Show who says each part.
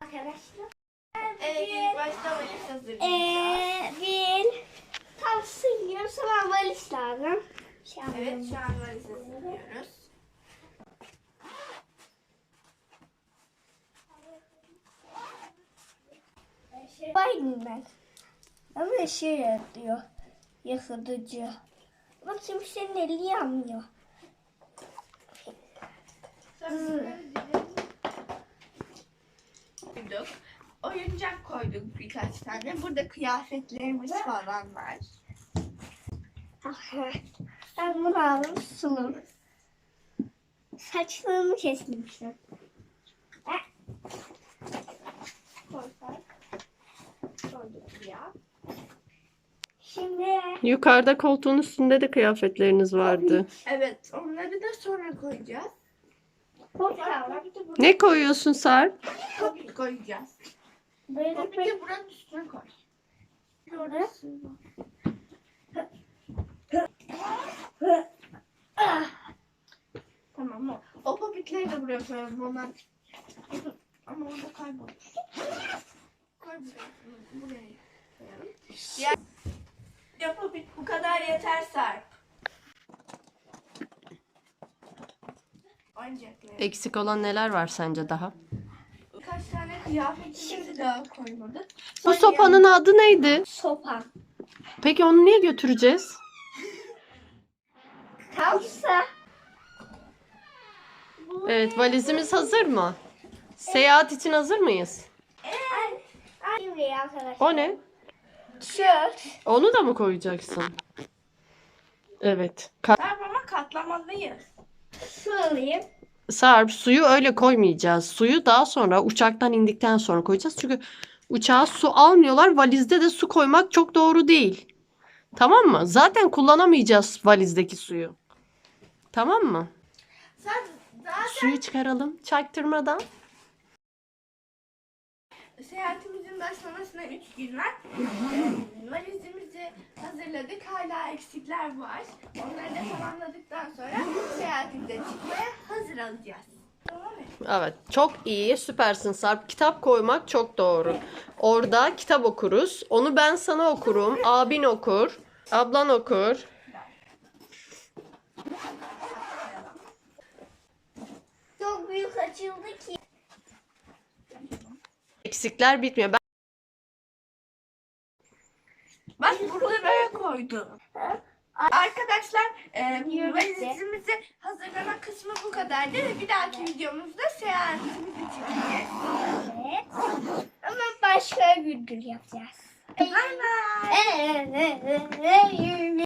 Speaker 1: arkadaşlar.
Speaker 2: Evet, ilk başta valiz hazırlayacağız.
Speaker 1: Bir tam sığıyor, sonra valiz lazım.
Speaker 2: Evet, şu an valiz hazırlıyoruz.
Speaker 1: Baydım ben. Ama şey yapıyor. Yakıtıcı. Bak şimdi senin eli yanmıyor.
Speaker 2: Koyduk. Oyuncak koyduk birkaç tane. Burada kıyafetlerimiz falan var.
Speaker 1: Ben bunu aldım sunum. Saçlarımı kesmişim.
Speaker 2: Koyduk ya.
Speaker 1: Şimdi
Speaker 3: Yukarıda koltuğun üstünde de kıyafetleriniz vardı.
Speaker 2: Evet, onları da sonra koyacağız.
Speaker 1: koyalım.
Speaker 3: Ne koyuyorsun Sarp?
Speaker 2: Popit koyacağız.
Speaker 1: Böyle
Speaker 2: Popit'i buranın üstüne koy. Orası. Tamam o. O popitleri de buraya koyalım. Onlar... Ama orada kaybolmuş. Koy buraya koyalım. Ya popit bu kadar yeter Sarp. Oyuncaklar.
Speaker 3: Eksik olan neler var sence daha?
Speaker 2: Birkaç tane kıyafetimizi daha koymadık.
Speaker 3: Bu sopanın adı neydi?
Speaker 1: sopa.
Speaker 3: Peki onu niye götüreceğiz?
Speaker 1: Tamsa.
Speaker 3: Evet, valizimiz hazır mı? Seyahat için hazır mıyız?
Speaker 1: Şimdi arkadaşlar.
Speaker 3: O ne?
Speaker 1: Tişört.
Speaker 3: Onu da mı koyacaksın? Evet.
Speaker 2: Sarp ama katlamalıyız.
Speaker 1: Su alayım.
Speaker 3: Sarp, suyu öyle koymayacağız. Suyu daha sonra uçaktan indikten sonra koyacağız. Çünkü uçağa su almıyorlar. Valizde de su koymak çok doğru değil. Tamam mı? Zaten kullanamayacağız valizdeki suyu. Tamam mı?
Speaker 2: Sen zaten
Speaker 3: Suyu çıkaralım çaktırmadan.
Speaker 2: seyahatimizin başlamasına 3 gün var. Valizimizi hazırladık. Hala eksikler var. Onları da tamamladıktan sonra seyahatimize çıkmaya hazır olacağız. Tamam mı?
Speaker 3: Evet, çok iyi, süpersin Sarp. Kitap koymak çok doğru. Orada kitap okuruz. Onu ben sana okurum, abin okur, ablan okur.
Speaker 1: Çok büyük açıldı ki.
Speaker 3: Eksikler bitmiyor.
Speaker 2: Bak burada böyle koydum. Arkadaşlar valizimizi hazırlama kısmı bu kadardı. Bir dahaki videomuzda seyahatimizi çekeceğiz.
Speaker 1: Evet. Ama başka gündür yapacağız.
Speaker 2: Bay bay.
Speaker 1: Evet.